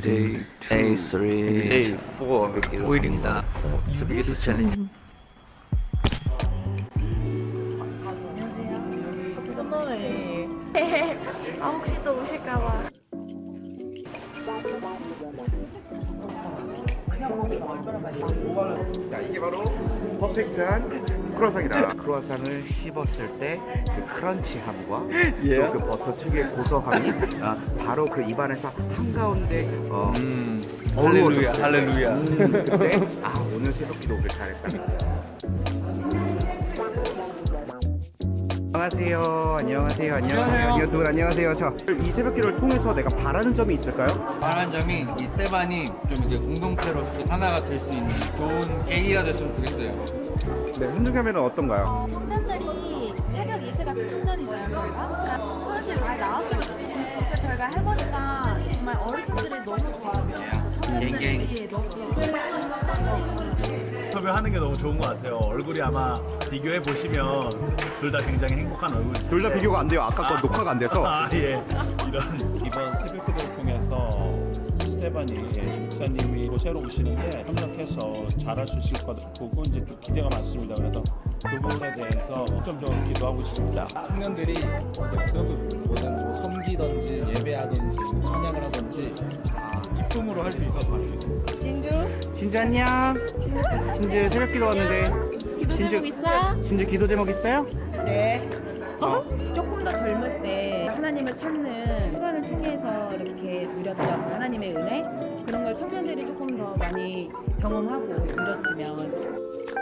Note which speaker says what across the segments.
Speaker 1: Day 2, Day 4 5일입니다. 스피드 챌린지.
Speaker 2: 코너에 아 혹시 또 오실까봐.
Speaker 3: 자, 이게 바로 퍼펙트한 크루아상이다. 크루아상을 씹었을 때 그 크런치함과 또 그 버터 특유의 고소함이 바로 그 입안에서 한가운데
Speaker 1: 할렐루야, 할렐루야.
Speaker 3: 그때 오늘 새벽기도 오길 잘했다. 안녕하세요. 두 분 안녕하세요. 이 새벽기를 통해서 내가 바라는 점이 있을까요?
Speaker 1: 바란 점이 이 스테반이 좀 이게 공동체로서 하나가 될 수 있는 좋은 계기가 됐으면 좋겠어요.
Speaker 3: 네, 훈중하면 어떤가요?
Speaker 2: 청년들이 새벽 2시가 청년이잖아요 저희가. 청년들이 많이 나왔으면 좋겠어요. 근데 저희가 해보니까 정말 어르신들이 너무 좋아하세요. 청년들이 너무
Speaker 4: 인터뷰하는 게 너무 좋은 것 같아요. 얼굴이 아마 비교해 보시면 둘 다 굉장히 행복한 얼굴.
Speaker 3: 둘 다 비교가 안 돼요. 아까 거 녹화가 안 돼서.
Speaker 4: 예. 이번 새벽기도를 통해서 스테반이 목사님이 새로 오시는데 협력해서 잘할 수 있을 것 보고 이제 좀 기대가 많습니다. 그래서 그 부분에 대해서 좀 기도하고 싶습니다.
Speaker 5: 청년들이 뭐든 섬기든지 예배하든지 찬양을 하든지 다 기쁨으로 할 수 있어서 좋겠습니다.
Speaker 3: 진주 안녕. 진주 새벽기도 왔는데.
Speaker 2: 기도 제목 있어?
Speaker 3: 진주 기도 제목 있어요?
Speaker 2: 네.
Speaker 6: 조금 더 젊을 때 하나님을 찾는 시간을 통해서 이렇게 누렸던 하나님의 은혜 그런 걸 청년들이 조금 더 많이 경험하고 누렸으면.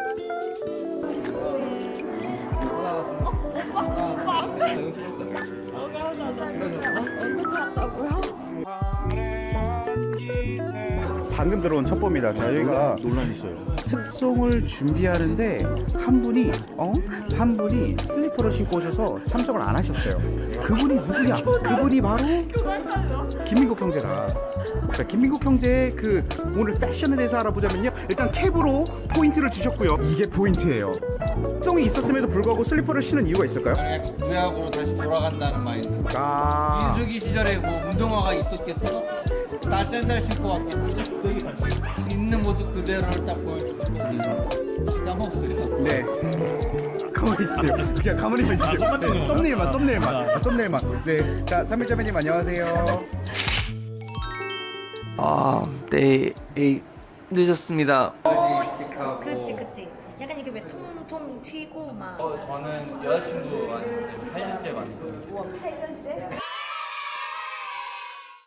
Speaker 3: 방금 들어온 첩보입니다. 저희가
Speaker 4: 논란이 있어요.
Speaker 3: 특송을 준비하는데 한 분이 슬리퍼를 신고 오셔서 참석을 안 하셨어요. 그분이 누구냐? 그분이 바로 김민국 형제라. 자, 김민국 형제의 그 오늘 패션에 대해서 알아보자면요. 일단 캡으로 포인트를 주셨고요. 이게 포인트예요. 특송이 있었음에도 불구하고 슬리퍼를 신은 이유가 있을까요?
Speaker 1: 약간 구약으로 다시 돌아간다는 마인드.
Speaker 3: 아,
Speaker 1: 민수기 시절에 뭐 운동화가 있었겠어? 나 샌들 신고 왔겠지. 있는 모습 그대로를 딱 보여주고 싶거든요. 까먹었어요.
Speaker 3: 네. 가만히 있어요. 그냥 가만히 있으세요. 네, 썸네일만. 네. 자, 참밀자매님 안녕하세요.
Speaker 1: Day 8 늦었습니다.
Speaker 2: 그치. 약간 이게 왜 통통 튀고 막.
Speaker 1: 저는 여자친구한테 8년째 만났어요.
Speaker 2: 8년째?